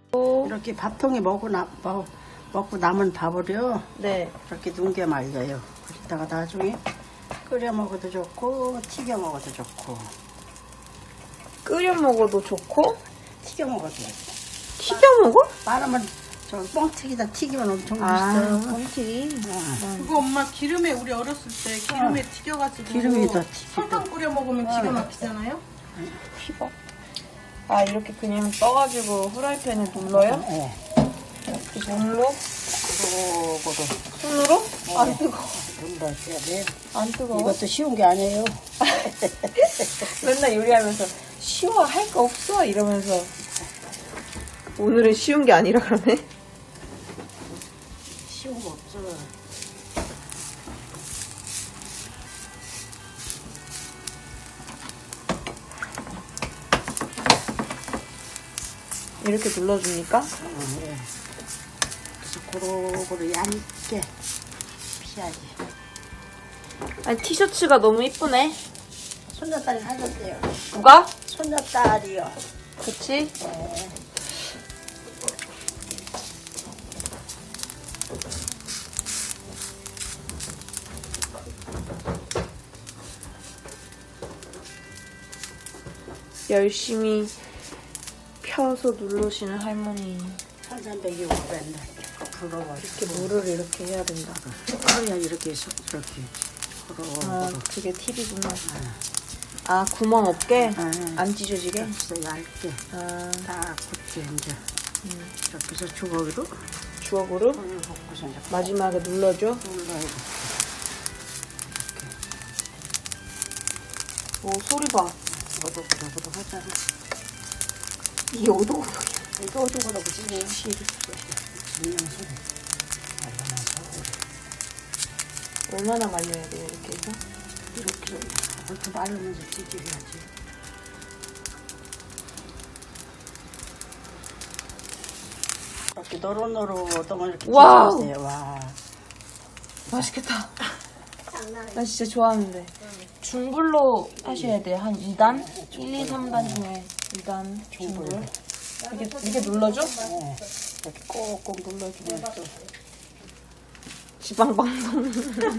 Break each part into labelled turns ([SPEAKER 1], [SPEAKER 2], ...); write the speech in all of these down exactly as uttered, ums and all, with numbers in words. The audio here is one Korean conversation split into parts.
[SPEAKER 1] 이렇게 밥통에 먹고, 나, 먹, 먹고 남은 밥을요.
[SPEAKER 2] 네.
[SPEAKER 1] 이렇게 눈게 말려요. 그러다가 나중에 끓여 먹어도 좋고 튀겨 먹어도 좋고.
[SPEAKER 2] 끓여 먹어도 좋고
[SPEAKER 1] 튀겨 먹어도 좋고.
[SPEAKER 2] 튀겨 먹어?
[SPEAKER 1] 말하면 저 뻥튀기다 튀기면 엄청
[SPEAKER 2] 아,
[SPEAKER 1] 맛있어요.
[SPEAKER 2] 뻥튀기.
[SPEAKER 3] 그거 엄마 기름에 우리 어렸을 때 기름에 튀겨가지고
[SPEAKER 1] 기름에다 튀기고.
[SPEAKER 3] 설탕 뿌려 먹으면 기가 막히잖아요.
[SPEAKER 2] 튀겨. 아, 이렇게 그냥 떠가지고 후라이팬에 눌러요?
[SPEAKER 1] 네.
[SPEAKER 2] 이렇게 눌러?
[SPEAKER 1] 고루고루
[SPEAKER 2] 손으로? 안 뜨거워.
[SPEAKER 1] 눌러줘야 돼.
[SPEAKER 2] 안 뜨거워?
[SPEAKER 1] 이것도 쉬운 게 아니에요.
[SPEAKER 2] 맨날 요리하면서 쉬워, 할 거 없어 이러면서 오늘은 쉬운 게 아니라 그러네.
[SPEAKER 1] 쉬운 거 없어.
[SPEAKER 2] 이렇게 눌러주니까
[SPEAKER 1] 어, 네. 그래서 고루고루 얇게 피하지.
[SPEAKER 2] 아니 티셔츠가 너무 이쁘네.
[SPEAKER 1] 손녀딸이 사줬대요.
[SPEAKER 2] 누가?
[SPEAKER 1] 손녀딸이요.
[SPEAKER 2] 그치?
[SPEAKER 1] 네.
[SPEAKER 2] 열심히 펴서 누르시는 할머니.
[SPEAKER 1] 천삼백이고 맨날 부러워.
[SPEAKER 2] 이렇게 물을 이렇게 해야 된다.
[SPEAKER 1] 그래야 이렇게 서- 이렇게 부러워.
[SPEAKER 2] 아, 그게 팁이구나. 아, 구멍 없게?
[SPEAKER 1] 네.
[SPEAKER 2] 안 찢어지게?
[SPEAKER 1] 그래서 얇게
[SPEAKER 2] 아,
[SPEAKER 1] 딱 굳게 이제
[SPEAKER 2] 음.
[SPEAKER 1] 이렇게 해서 주걱으로
[SPEAKER 2] 주걱으로
[SPEAKER 1] 물 붓고서 이제
[SPEAKER 2] 마지막에 눌러줘.
[SPEAKER 1] 눌러야 돼.
[SPEAKER 2] 오, 소리 봐.
[SPEAKER 1] 오독오독오독 하잖아.
[SPEAKER 2] 이게 오독오독.
[SPEAKER 1] 이거 오독오독 지금 시를 그냥 소리. 얼마나 소리.
[SPEAKER 2] 얼마나 말려야 돼요, 이렇게 해서?
[SPEAKER 1] 이렇게 이렇게 말르면서 튀겨야지. 이렇게 노릇노릇한 걸 이렇게
[SPEAKER 2] 와우.
[SPEAKER 1] 튀겨주세요. 와.
[SPEAKER 2] 맛있겠다. 나 진짜 좋아하는데. 중불로 하셔야 돼요. 한 이 단? 일, 이, 삼 단 중에 이 단 중불. 이게, 이게 눌러줘?
[SPEAKER 1] 네. 이렇게 꼭꼭 눌러주면 또
[SPEAKER 2] 지방방송.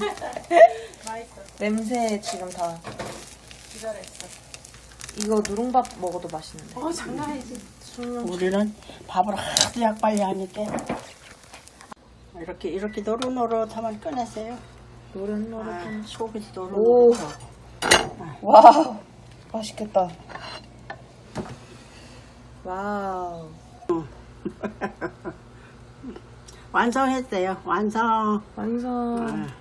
[SPEAKER 2] 냄새 지금 다.
[SPEAKER 3] 기다렸어.
[SPEAKER 2] 이거 누룽밥 먹어도 맛있는데.
[SPEAKER 3] 어 장난 아니지.
[SPEAKER 1] 우리는 밥을 하도 약빨리 하니까 이렇게 이렇게 노릇노릇하면 꺼내세요.
[SPEAKER 2] 노릇노릇한.
[SPEAKER 1] 아, 속이
[SPEAKER 2] 오.
[SPEAKER 1] 노릇노릇하고.
[SPEAKER 2] 와우. 맛있겠다. 와우.
[SPEAKER 1] 완성했어요. 완성.
[SPEAKER 2] 완성.
[SPEAKER 1] 아.